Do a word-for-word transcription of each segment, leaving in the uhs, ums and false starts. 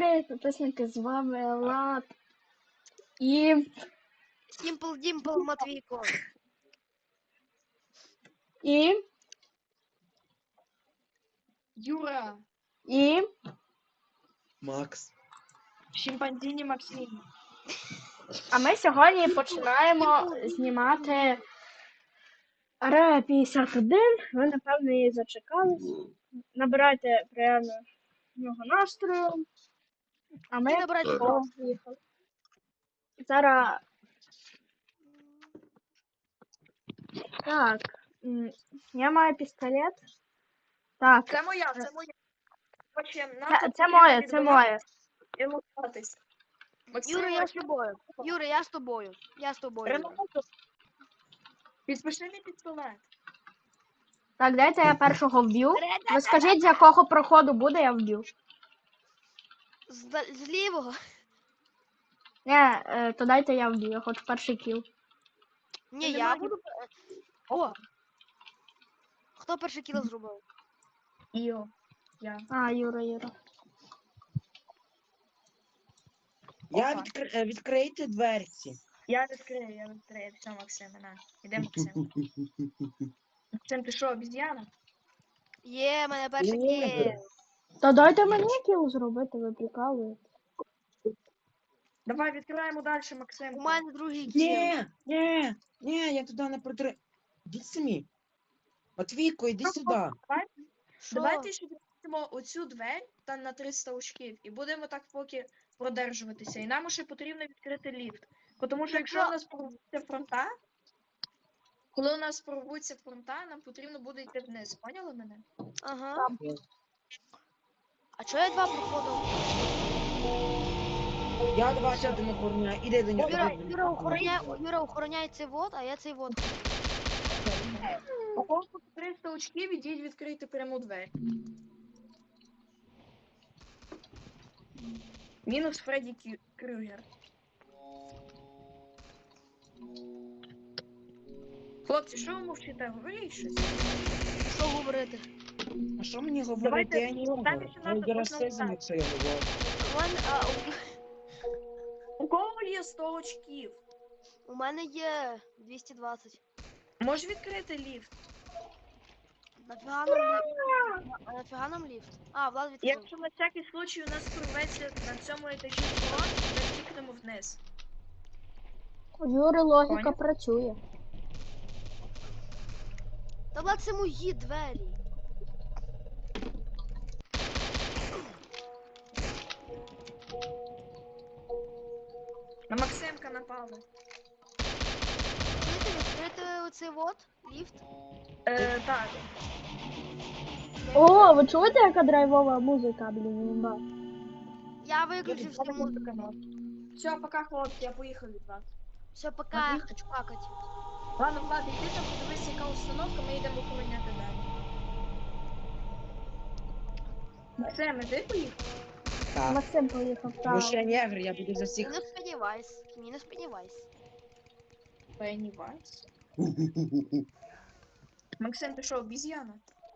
привіт, підписники, з вами Влад і... Сімпл Дімпл Матвійко. І... Юра. І... Макс. Шимпанзіні Максим. А ми сьогодні починаємо знімати Area п'ятдесят один. Ви, напевно, її зачекались. Набирайте приємного настрою. А ми І набирайте поїхали. Зараз... Так, м, я маю пістолет. Так, Це моя, це моя. Хочем, нам це, тут це потрібно моє, це відбивати моє. і лутатись. Максим, Юра, я з тобою. Юра, я з тобою. Я з тобою. Юра. Ренату. Підпиши мій пістолет. Так, дайте я першого вб'ю. Ви скажіть, з якого проходу буде, я вб'ю. З, з лівого. Не, е, то дайте я вб'ю, я хочу перший кіл. Ні, Ти я не буду. О! Хто перший кіл зробив? Іо. Я. А, Юра, Юра. Я Опа. відкр... е, відкрийте дверці. Я відкрию, я відкрию. Все, Максим, на. Іде Максим. Максим, ти що, обіз'яна? Є, мене перший Ні. кіл. Та дайте мені кіл зробити, ви прикалуєте. Давай відкриваємо далі, Максим. У мене другий кіл. Ні, ні, ні, я туди не протри... Іди самі. Матвійко, іди сюди. Давай, Що? давайте ще відкриємо оцю двері та на триста очків і будемо так поки продержуватися. І нам ще потрібно відкрити ліфт. Тому що якщо у нас порвуться фронта, коли у нас порвуться фронта, нам потрібно буде йти вниз. Поняли мене? Ага. А чого я два проходив? Я до вас один охороняю. Іди до нього. Юра, іди до Юра нього. охороняє, Юра охороняє цей вот, а я цей вот. У кого триста очків, ідіть відкрити пряму двері. Мінус Фредді Кю- Крюгер. Хлопці, що ви мовчите? Говоріть щось. Що говорити? А що мені говорити? Давайте, Я не там говорю. ще Я надо я одного расизм, так. якщо я говорю. У мене, а, У кого є сто очків? у, у мене є двісті двадцять. Може відкрити ліфт? Нафіга нам ліфт? А нафіга нам ліфт? А, Влад відкрив. Якщо на всякий случай у нас порветься на цьому етажі фронт, ми втікнемо вниз. У Юри логіка Поняв? працює. Та Влад, це мої двері. На Максимка напали. Чуєте, відкрити оцей вот, ліфт? Е, так. О, ви чуєте, яка драйвова музика, блін, імба? Я виключив всю музику. Все, пока, хлопці, я поїхав від вас. Все, пока, я хочу какать. Ладно, Влад, йди там, подивись, яка установка, ми йдемо охороняти далі. Максим, іди поїхав? Так. Максим поїхав, Тому що так. я негр, я буду за Ні, всіх. не сподівайся, ні, не сподівайся. Пеннівайс. Максим, ти що, обіз'яна?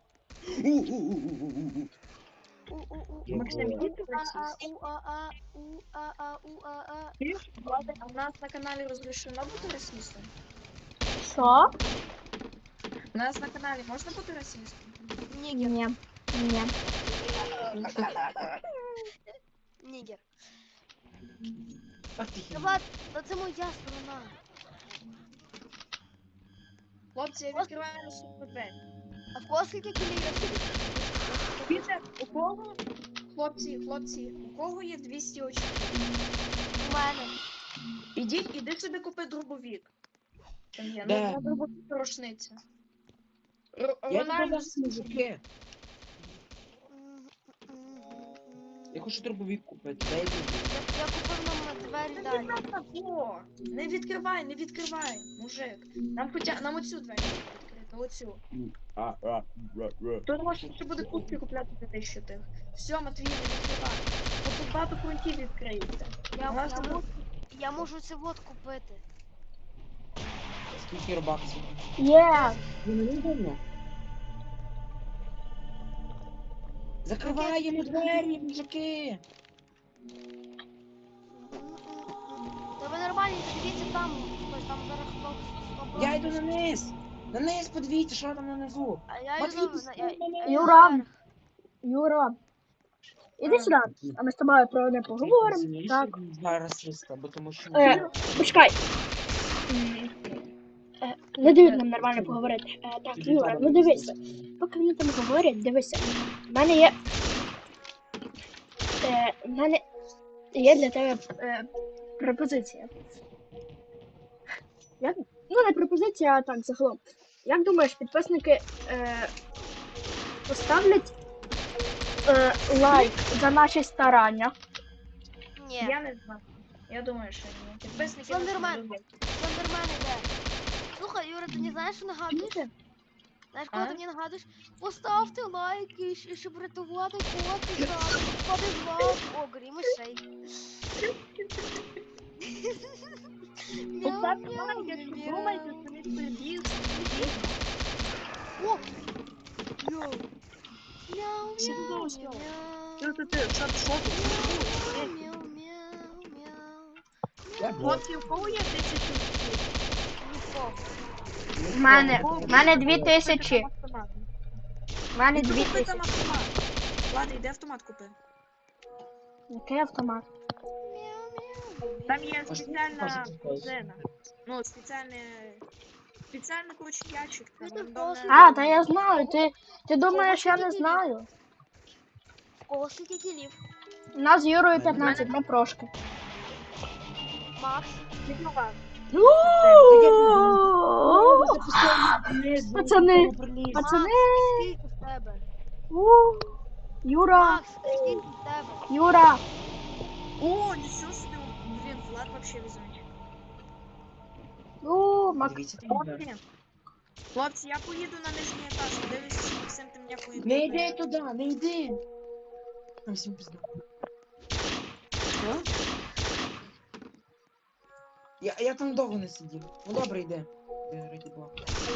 У-у-у. Максим, іди ти А-а, расист. у-а-а, у-а-а, у-а-а. Чуєш, Влад, а в нас на каналі розрішено бути расистом? Що? У нас на каналі можна бути расистом? Нігер, Ні. Ні. нігер. Ах ти Та хіба. Влад, та це моя сторона. Хлопці, я відкриваю наступну двері. А в кого скільки кілів? Піте, у кого? Хлопці, хлопці, у кого є двісті очків? У мене. Ідіть, іди собі купи дробовік. Там є, Де? ну, на дробовік рушниця. Р- Я Рональдо, туди вас мужики. М, м, м. Я хочу дробовик купити. Дай тобі. Я, я купив нам двері не далі. відкривай, о, не відкривай, не відкривай, мужик. Нам хоча, нам оцю двері відкрити, оцю. А, а, ра, ра. Тут можна ще буде кубки купляти за тисячу тих. Все, Матвій, не відкривай. Бо тут багато фронтів відкриється. Я, У нас я, тут- можу, я можу це вот купити. Скільки робаксів? Є. Ви не видно? Закриваємо двері, мужики. там зараз хлоп Я йду на низ. На низ подивіться, що там нанизу. А я Матвій, йду на... пусти я- я мене. йду Юра. наверх. Юра. Іди А. сюди, а ми з тобою про одне поговоримо. Так. Зараз триста, бо тому що... Е, почекай. М, е, Не дають нам нормально поговорити. Е, так, Юра, ну дивися. Поки вони там говорять, дивися. У мене є. Е, в мене є для тебе е, пропозиція. Як? Ну, не пропозиція, а так, загалом. Як думаєш, підписники е, поставлять е, лайк за наші старання? Ні. Я не знаю. Я думаю, що ні. Підписники нас не Слендермен. люблять. Слендермен іде. Слухай, Юра, ти не знаєш, що нагадуєш? Знаєш, кого А? ти мені нагадуєш? Поставте лайк, і щ- щоб рятувати котика. Подизвав. О, грі мишей. Мяу, Поставте мяу, лайк, якщо мяу. думаєте, що він прибіг. О! Мяу. Мяу, Що ти мяу, думаєш? мяу. Що ти, що ти, що ти? Мяу, мяу, мяу, мяу. Я Хлопці, у кого є тисячу очків? Нікого. В мене, в мене дві тисячі. В мене Іди дві купи там тисячі. автомат. Ладно, йди автомат купи. Який автомат? Мяу, мяу. Там є Можна спеціальна показати? корзина. Ну, спеціальний... Спеціальний, коротше, ящик. Там Ну, тут рандомне... просто- А, та я знаю. Ти, ти думаєш, я не знаю. В кого скільки кілів? У нас з Юрою п'ятнадцять, ми прошки. Макс. Відмова. Пацани. Пацани, Пацани. Макс, скільки в тебе? У, Юра, Макс, скільки в тебе? Юра. О, нічого собі. Блін, Влад вообще везунчик. У, Мак... Дивіться, там Хлопці. Хлопці, я поїду на нижній етаж. Дивлюся, що Максим ти мене поїду. Не йди туди, не йди. Там всім пізда. Що? Я, я там довго не сидів. Ну добре, йди. Йди, раді Бога.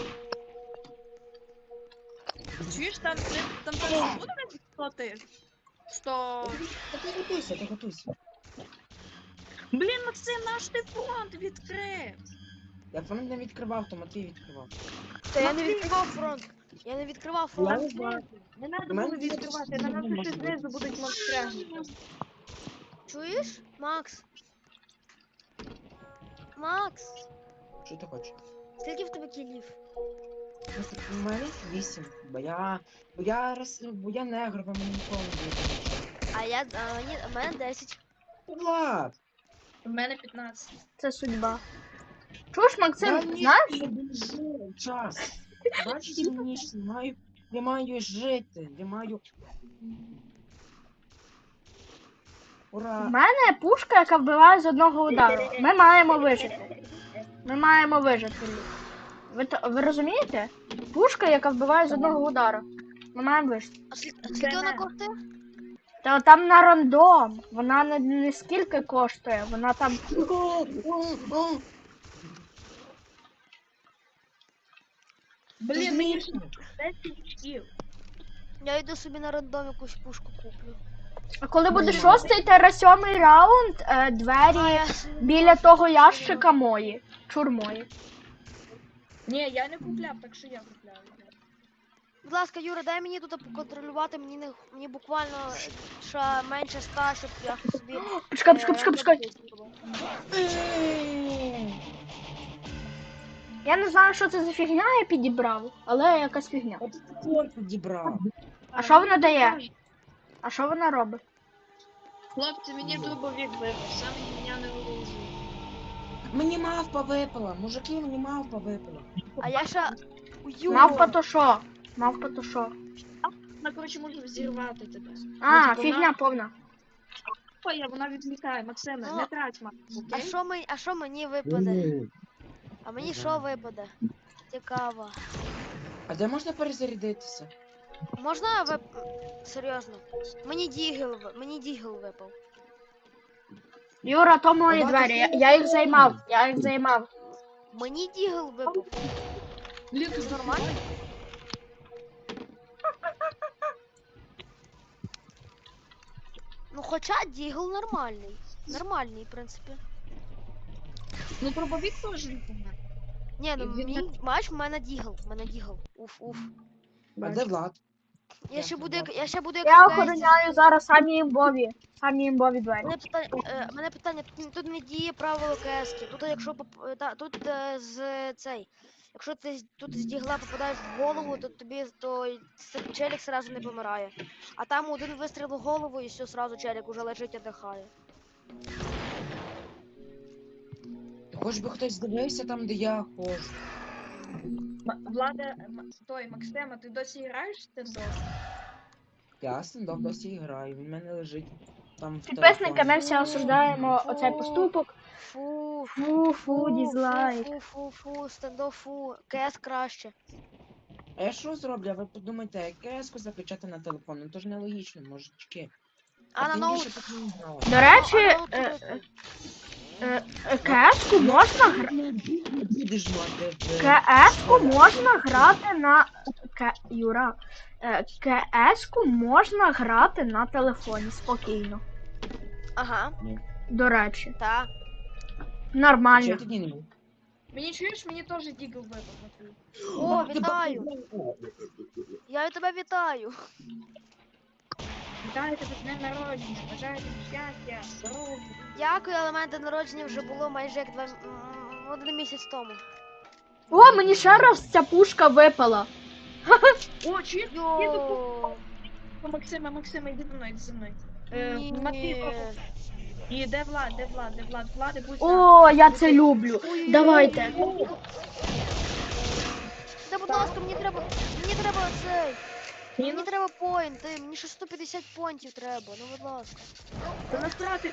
Чуєш, там, ти, там зараз буде сто ти? сто... Та ти готуйся, ти готуйся. Блін, Максим, наш ти фронт відкрив. Я фонарь не відкривав, то Матвій відкривав. Та я не відкривав фронт. Я не відкривав Я фронт. не знаю. Не треба У мене було відкривати, тут на нас немає ще знизу будуть монстряги. Чуєш? Макс? Макс, Що ти хочеш? скільки в тебе кілів? Просто у мене вісім. Бо я... Бо я роз... Бо я негр, бо мені ніколи не дається. А я, а мені, а мене десять. Влад! У мене п'ятнадцять. Це судьба. Чуєш, Максим, ні, знаєш? Я біжу час. Бачите, мені ж маю... Я маю жити, я маю... В Ура! мене пушка, яка вбиває з одного удару. Ми маємо вижити. Ми маємо вижити. Ви, то- ви розумієте? Пушка, яка вбиває з одного удару. Ми маємо вижити. А скільки, а скільки вона коштує? Та там на рандом. Вона не, не скільки коштує, вона там. О, о, о. Блін, мені ж Смішно. десять очків. Я йду собі на рандом якусь пушку куплю. А коли буде шостий та сьомий раунд, е, А, двері я... біля того ящика мої. Чур мої. Ні, я не купляв, так що я купляв. Будь ласка, Юра, дай мені тут поконтролювати, мені не мені буквально ще менше ста, щоб я собі. Почекай, е, почекай, почекай, почекай. Е, Я не знаю, що це за фігня я підібрав, але якась фігня. От ти такой підібрав. А що вона дає? А що вона робить? Хлопці, мені дробовик випав, саме мене не вилізує. Мені мавпа випала, мужики, мені мавпа випала. А я ще. Юра. Мавпа то що? Мавпа то що? Вона, коротше, може взірвати тебе. А, типу, фігня вона- повна. Ой, вона відвлікає, Максиме, Ну, не трать, Макс, А окей? що мені, а що мені випаде? А мені що випаде? Цікаво. А де можна перезарядитися? Можна вип... Серйозно? Мені дігл, ви- мені дігл випав. Юра, то мої Вона двері. Я, тут я їх займав. Я їх займав. Мені дігл випав. Блін, Це нормально? Ну хоча дігл нормальний. Нормальний, в принципі. Ну, дробовик теж непогано. Ні, ну І він мені, бач, в мене дігл, в мене дігл. Уф, уф. А де Влад? Я ще Ясно, буду, як, Влад. я ще буду як Я в Кесті. охороняю зараз самі імбові. Самі імбові двері. Мене питання, е, мене питання, тут, тут не діє правило КСки. Тут якщо поп- е, та, тут е, з цей. Якщо ти з- тут з дігла попадаєш в голову, то тобі то й с- челік сразу не помирає. А там один вистріл в голову і все, сразу челік уже лежить і дихає. Хоч би хтось дивився там, де я ходжу. М- Влада, М- той, Максима, ти досі граєш в стендов? Я стендов досі граю, він в мене лежить там в Підписники, телефоні. ми всі осуждаємо оцей поступок. Фу, Фу, фу, дізлайк. Фу, фу, фу, стендов, фу. КС краще. А я що зроблю? А ви подумайте, як КС-ку закачати на телефон? Ну то ж нелогічно, мужички. А на тим ноут. більше тут не граю. До речі, А на ноут е, робити? е, е, КС-ку можна грати. Будеш мати в... КС-ку можна грати на К... Юра. Е, КС-ку можна грати на телефоні спокійно. Ага, До речі, та. Чи я нормально. тоді не міг? Мені чуєш, мені теж дігл випав на твій. О, ти вітаю. бачиш? Я від тебе вітаю. Вітаю тебе з днем народження, бажаю тобі щастя, здоров'я. Дякую, але мене день народження вже було майже як два м- м- один місяць тому. О, мені ще раз ця пушка випала. О, чуєш? Йо. Максима, Максима, йди за мною, йди за мною. Е, Ні. Матвій, і де Влад, де Влад, де Влад, Влади, будь за. О, я це люблю. Ой-ой-ой. Давайте. Та будь ласка, мені треба. Мені треба цей. Мені Мінус, треба поінти, мені ще сто п'ятдесят поінтів треба, ну будь ласка. та насрати.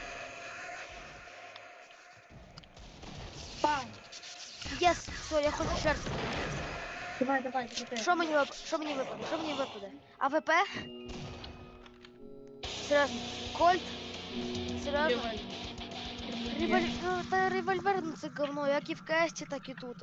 Пам. Єс, все, я хочу жертву. Давай, давай, крути. Що мені вип... Що мені випаде? Що мені випаде? АВП? Серйозно? Кольт? Серйозно? Револь... Ну, та револьвер, ну це говно, як і в кесті, так і тут.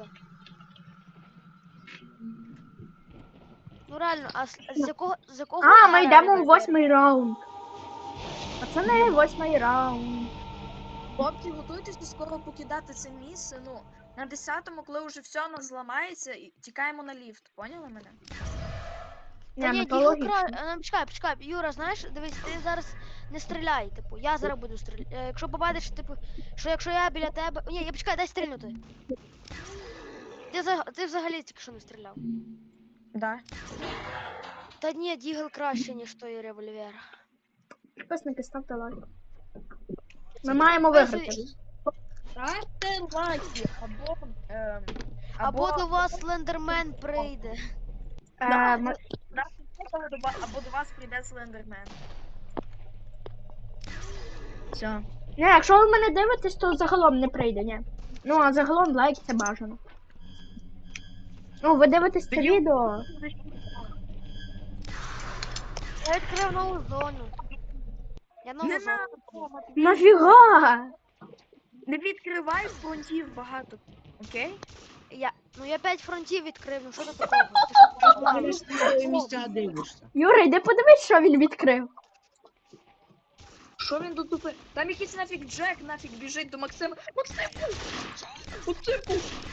Ну реально, а з, з якого з якого А, ми удара йдемо в револьвер? восьмий раунд. Пацани, восьмий раунд. Хлопці, готуйтеся скоро покидати це місце. Ну, на десятому, коли вже все нас зламається, і тікаємо на ліфт. Поняли мене? Та Ні, ні, ну то дігл логічно. кра... е, Почекай, почекай, Юра, знаєш, дивись, ти зараз не стріляй, типу, я зараз буду стріляти. Якщо побачиш, типу, що якщо я біля тебе. Ні, я почекай, дай стрільнути. Ти, за... ти взагалі тільки що не стріляв. Да. Та ні, дігл краще, ніж той револьвер. Підписники, ставте лайк. Ми маємо виграти. Ставте лайки, або... ем, Або до вас слендермен прийде. Е, ми- або до ва- або до вас прийде Слендермен. Все. Ні, якщо ви мене дивитесь, то загалом не прийде, ні. Ну, а загалом лайк це бажано. Ну, ви дивитесь це Тоді- відео. Я відкрив нову зону. Я нову Не зону. надо, Нафіга? не відкривай фронтів багато, окей? Я... Ну я п'ять фронтів відкрив, ну що тут такого? Ти що, Ти погнав? ж на свої місця дивишся. Юра, йди подивись, що він відкрив. Що він тут тупе? Там якийсь нафіг Джек нафіг біжить до Максима. Максимку! Максимку!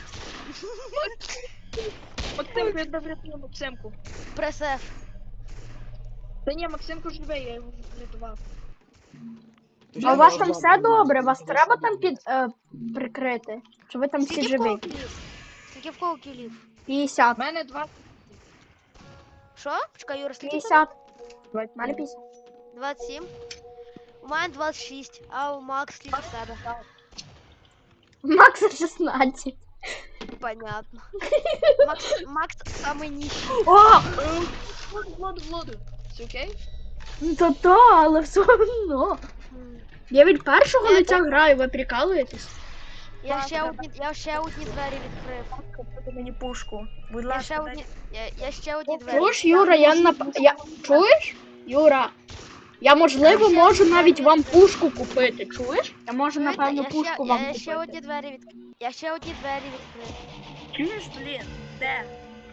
Максимку, я тебе врятую, Максимку. Прес F. Та ні, Максимку живе, я його врятував. А у вас там все добре? Вас треба там під е, прикрити? Чи ви там всі Скільки в живі? кого кілів? Скільки в кого кілів? У п'ятдесят. мене два... Що? Почекай, Юра, скільки? п'ятдесят. У мене п'ятдесят. двадцять сім. У мене двадцять шість, а у Макс скільки в тебе? Макса шістнадцять. Понятно. Макс, Макс самий нижчий. О! Владу, Владу, Владу. Все окей? Ну то то, але все одно. М. Я від першого Я лиця граю, ви прикалуєтесь? Я ще одні, я ще одні двері відкрив. Купити мені пушку. Будь Я ще ласка, одні, я, я ще одні двері. Чуєш, Юра, я нап... я... Чуєш? Юра, я можливо можу навіть вам пушку купити, чуєш? Я можу, Чуєте? напевно, я пушку ще, вам я ще одні купити. двері від... Я ще одні двері відкрив. чуєш, блін? Де?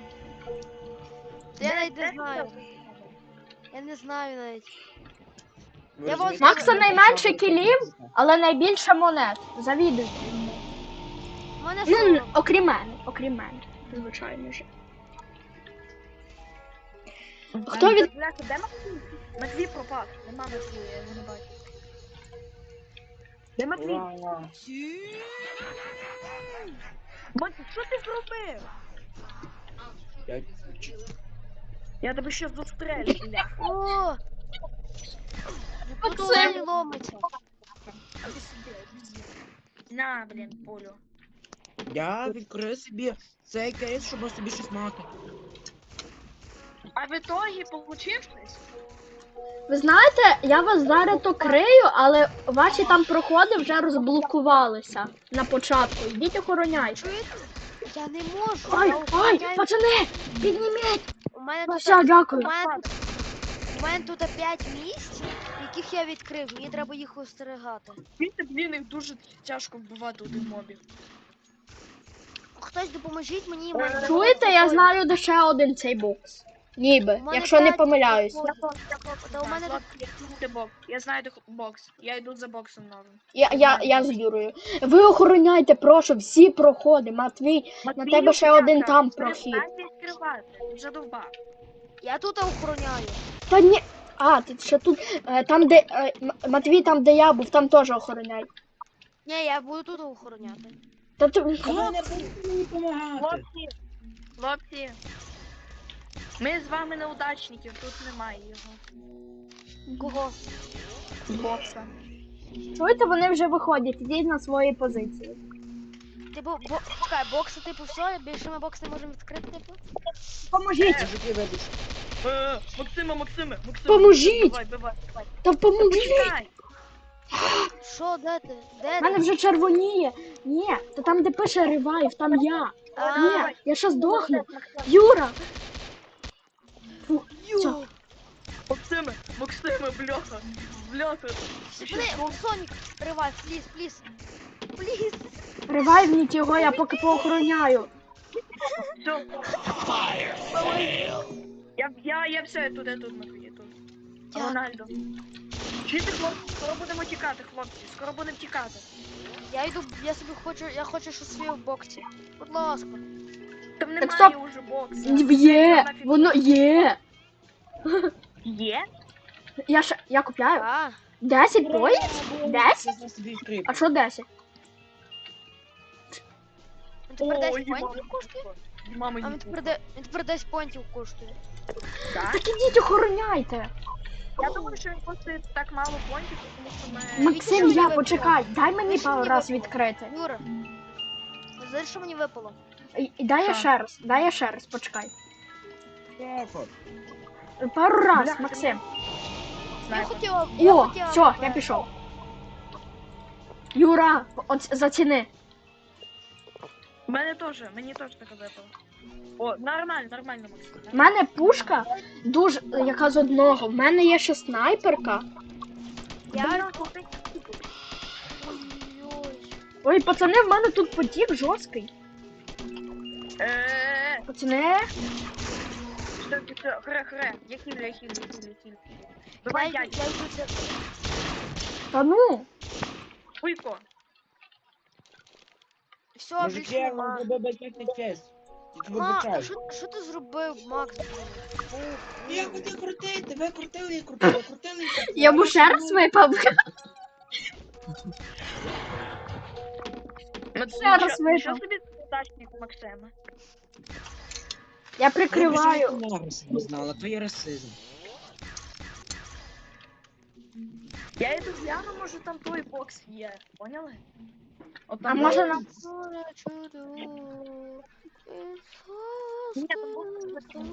Я Де- навіть де не ти знаю. там? Я не знаю навіть. Ви Я розумієте, вас- Макса що найменше я кілів? Але найбільше монет. Завідуйте. мене Ну, сорок. окрім мене, окрім мене. Звичайно ж. Хто від... Бляха, де Матвій? Матвій пропав. Нема Матвія, я його не бачу. Де Матвій? Ура! Матвій, що ти зробив? Я... Я тебе ще застрелю, бляха. О! Тут Максим! олень ломиться. А ти сюди, обіз'ян. На, блін, полю. Я відкрив собі цей кейс, щоб собі щось мати. А в ітогі получив щось? Ви знаєте, я вас зараз то крию, але ваші там проходи вже розблокувалися на початку. Йдіть охороняйте. Чуєте? Я не можу. Ай, я ай, охороняю. пацани, підніміть! У мене Ну тут, все, у дякую. мене, тут- у мене тут п'ять місць, яких я відкрив. Мені треба їх остерігати. Бачите, блін, їх дуже тяжко вбивати один мобів. Хтось допоможіть мені. в мене Чуєте, я знаю, де ще один цей бокс. Ніби, У мене якщо не п'ять помиляюсь. проходів. Та у мене тут Де бокс? Я знаю, де бокс. Я йду за боксом новим. Я, я, я з Юрою. Ви охороняйте, прошу, всі проходи. Матвій, на тебе ще один там прохід. Перестань відкривати, задовбав. я тут охороняю. Та ні. А, ти ще тут. е, Там, де. е, М- Матвій, там, де я був, там теж охороняй. Ні, я буду тут охороняти. Та ти. А ви не будете мені допомагати. Хлопці, хлопці. Ми з вами неудачників, тут немає його. Кого? Бокса. Чуєте, вони вже виходять, ідіть на свої позиції. Типу, бо... чекай, бокси, типу, все, більше ми бокс не можемо відкрити, типу. Поможіть! Мужики, вибач. Е, Максима, Максиме, Максиме. Поможіть! Давай, давай, давай. Та поможіть! Почекай. Що, де ти? Де У мене ти? вже червоніє. Ні, та там, де пише ревайв, там я. А, Ні, я ще здохну. Юра! Фу, все. ю. Максиме, Максиме, бляха. Бляха. Я ще Блин, Сонік, ривай, пліз, пліз. Пліз. Ревайвніть його, я поки поохороняю. Все. Я, я, я все, я тут, я тут, Матвій, я тут. Дякую. Рональдо. Чуєте, хлопці, скоро будемо тікати, хлопці, скоро будемо тікати. Я йду, я собі хочу, я хочу щось своє в боксі. Будь ласка. Там Так, немає стоп. уже бокса. Є, воно є. Є? Я ще, я купляю. А, десять поїзд? десять? Я собі відкрив. А що десять? він тепер Ой, десять мама, понтів коштує? Мама, А він тепер, де- він тепер десять понтів коштує. так? Так ідіть охороняйте. Я думаю, що він коштує так мало понтів, тому що ми... Максим, я почекай, дай мені Більше пару мені раз випало. відкрити. Юра. Знаєш, що мені випало? І- і Дай я Що? ще раз, дай я ще раз, почекай. Шефа. Пару раз, Бляха, Максим. Я Знаєте. хотіла, я О, хотіла. все, я тебе- пішов. Юра, от заціни. У мене теж, мені теж таке випало. О, нормально, нормально, Максим. У мене пушка дуже, яка з одного. В мене є ще снайперка. Я... Ой-ой. Ой, пацани, в мене тут потік жорсткий. Е, Пацани, що це? Хре, хре. Я хілю, я хілю, я хілю, я хілю. Я Давай, йду, дядь. я йду це. та ну. Уйко. Все, Мужики, більше я нема. вам зробив бюджетний честь. Тільки Ма, а вибачаю. що, що ти зробив, Макс? Ух, Я хотів крутити, ви крутили і крутили, крутили і крутили. Я б ще раз випав. Ще раз Що випав. собі удачник Максима? Я Ви прикриваю. б ще не знала, то є расизм. Я йду гляну, може там той бокс є. Поняли? От А там може бокс. нам. Ні, там бокс.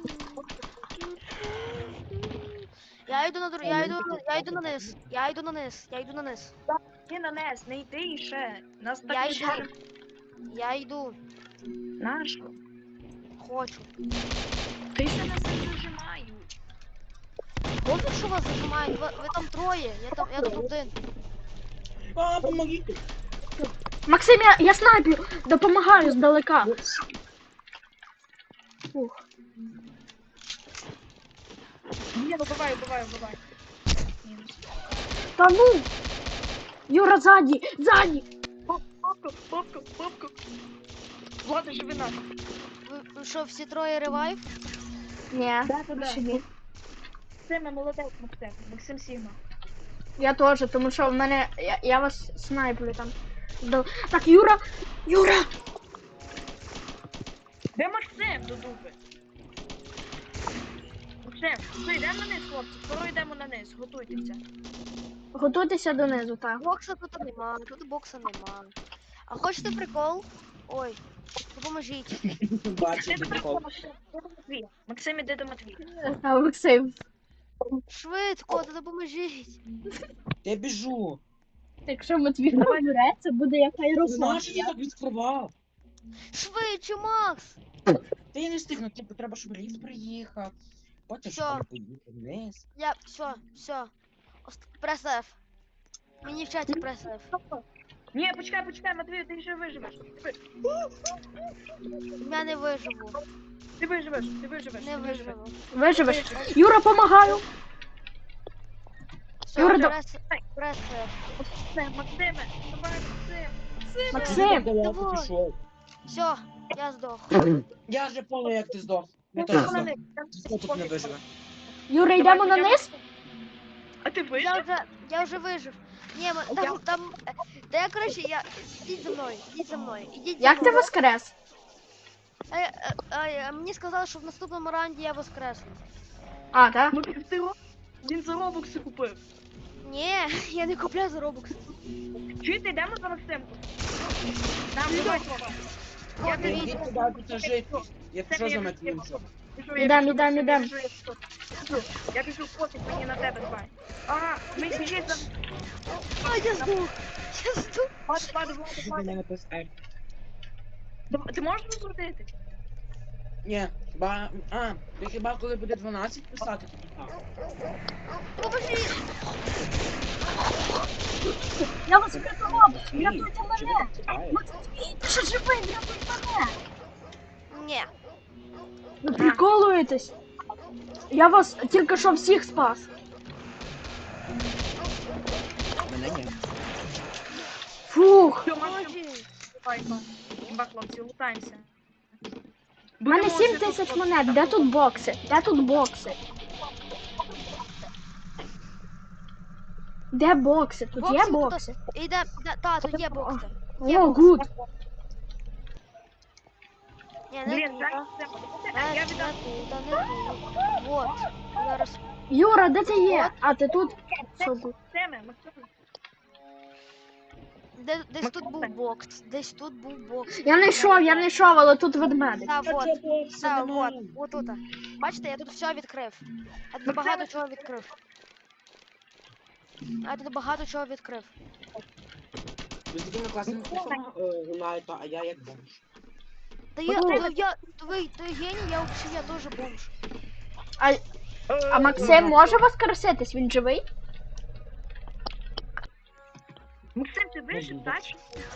Я йду на дру... я йду, я йду на низ. Я йду на низ. Я йду на низ. Ти на нес, не йди і ще. Нас так Я не йду. дуже. Я йду. Нащо? Хочу. Ти ще нас не зажимають. Добре, що вас зажимають. Ви, ви там троє. Я там, я тут один. А, помогите. Максим, я, я снайплю, допомагаю здалека. Ух. Ні, ну бувай, бувай, бувай. Та ну. Юра, ззаді, ззаді. Попку, попку, попку. Влада, живи нас. Ви, ви що, всі троє ревайв? Ні, Да-да-да. ще ні. Максиме, молодець, Максим. Максим Сігма. Я теж, тому що в мене. Я, я вас снайплю там. До- Так, Юра! Юра! Де Максим до дуби? Максим, все, йдемо на низ, хлопці. Скоро йдемо на низ, готуйтеся. Готуйтеся донизу, так. Бокса тут нема, тут бокса нема. А хочете прикол? Ой, допоможіть. Бачиш, Ти прикол. Максим, іди до Матвія. Максим, іди до Матвія. А Максим. Швидко, та допоможіть. Я біжу. Якщо Матвій розбереться, буде як аероплан. Знаєш, я так відкривав. Швидше, Макс! Та я не встигну, типу, треба, щоб ліфт приїхав. Потім Всьо. щоб поїхав вниз. Я, все, все. Прес F. Мені в чаті прес F. Ні, почекай, почекай, Матвію, ти ще виживеш. Ти- Я не виживу. Ти виживеш, ти виживеш. Не ти виживеш. виживу. Виживеш. Юра, помагаю. Все, Юра, до- прес, прес F. Максим, Максиме, давай, Максим. Максим. Ти далеко давай. пішов. Все, я здох. Я вже понял, як ти здох. Я Ну, теж на здох. них. Хто тут не виживе? Юра, йдемо на низ? А ти Я вижив? вже, я вже вижив. Ні, ми- там, там, е, та я, коротше, я, ідіть за мною, ідіть за мною, ідіть за Як ти мною. воскрес? Е, е, е, мені сказали, що в наступному раунді я воскресну. А, так? Ну ти ти ро- він за робокси купив. Ні, я не купляю за Robux. Чуєте, йдемо за Максимку? Нам давай, Вова. От Я дивіться. Ідіть туди, тут жити. Якщо за Матвієм. Біжу, я Ідем, біжу, ідем, Максим, ідем. Я біжу, я біжу. Біжу. Я біжу, пофіг мені на тебе, давай. А, ми біжить за... А, я здох. Я здох. Влада, Влада, Влада, Ти Влада. мене написав. Дав- Ти можеш розкрутити? Ні, ба... А, ти хіба коли буде дванадцять писати, то так. Поможіть. Я вас врятував! Ні, Рятуйте чи ви мене! так чекаєте? Матвій, ти що живий? Рятуйте мене! Ні. Ви приколуєтесь? Я вас тільки що всіх спас. Мене ні. Фух. Все, Максим, Поможіть. давай, Іван. Імба, хлопці, лутаємося. У мене Будемо сім жити тисяч тут, монет. хлопці. Де тут бокси? Де тут бокси? Де бокси? Тут є Бокси тут- бокси? Іде, іде, та, тут є бокси. О, гуд. Ні, не Блін, тут. так, а. це- Не, я не віддам. тут, та не тут. Вот. Зараз. Юра, де ти є? А, ти тут? Що гуд? Максиме, Максиме. Де, десь тут був бокс. Десь тут був бокс. Я не йшов, я не йшов, але тут ведмедик. Та, А вот. це бокси Та, немає. вот. Вот тут. Бачите, я тут все відкрив. Я тут багато чого відкрив. Я тут багато чого відкрив. Ви з такими класними кухами гуляєте, а я як бомж. Та я, Ну. та я, ви, ти геній, я взагалі, я теж бомж. А, а Максим може воскреситись? Він живий? Максим, ти вижив, так?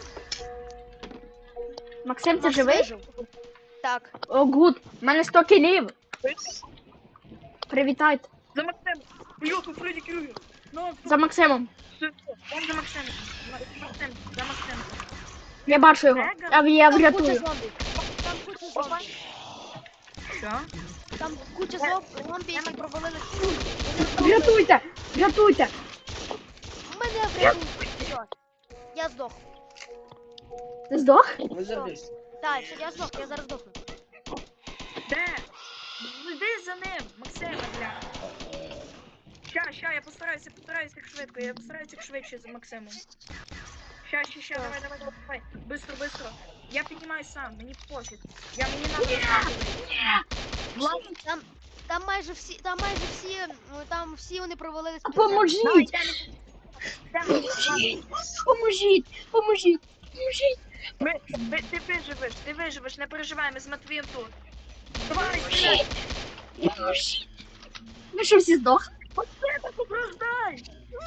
Максим, ти Макс живий? вижив. Так. О, гуд. У мене сто кілів. Привітайте. За Максим. Бляха, Фредді Крюгер. Ну, За Максимом. все, все. Он за Максим. Максим, за Максим. Я бачу його. Я, я Там куча врятую. зомбі. Там куча зомбі. Що? Там куча зом- зомбі, які провалили. Врятуйте! Врятуйте! Мене врятуйте. Все. Я здох. Ти здох? Ви завжди. Так, все, я здох, я зараз здохну. Де? Йди за ним, Максиме, бля. Ща, ща, я постараюся, постараюся як швидко, я постараюся як швидше за Максимом. Ща, ща, ща, давай, давай, давай, давай. Быстро, быстро. Я піднімаюсь сам, мені пофіг. Я мені надо. Влад, Там, там майже всі, там майже всі, ну, там всі вони провалились. під давай, Поможіть! йдемо. Йдемо, Влад. Поможіть! Поможіть! Поможіть! Ми, ви, ти виживеш, ти виживеш, не переживай, ми з Матвієм тут. Давай, стріляй. Поможіть! Ви що всі здохли? Максиме, поброждай.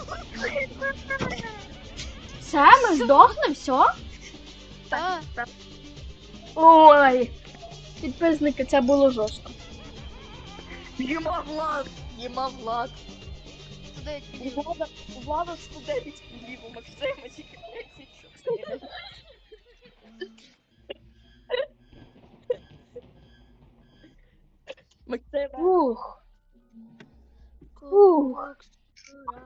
Все, ми здохли, все? Так. Так. Ой! Підписники, це було жорстко. Єма, Влад. Єма, Влад. Туди У Влада, у Влада сто дев'ять кілів, у Максима тільки тридцять чотири. Максиме. Ух. Ух.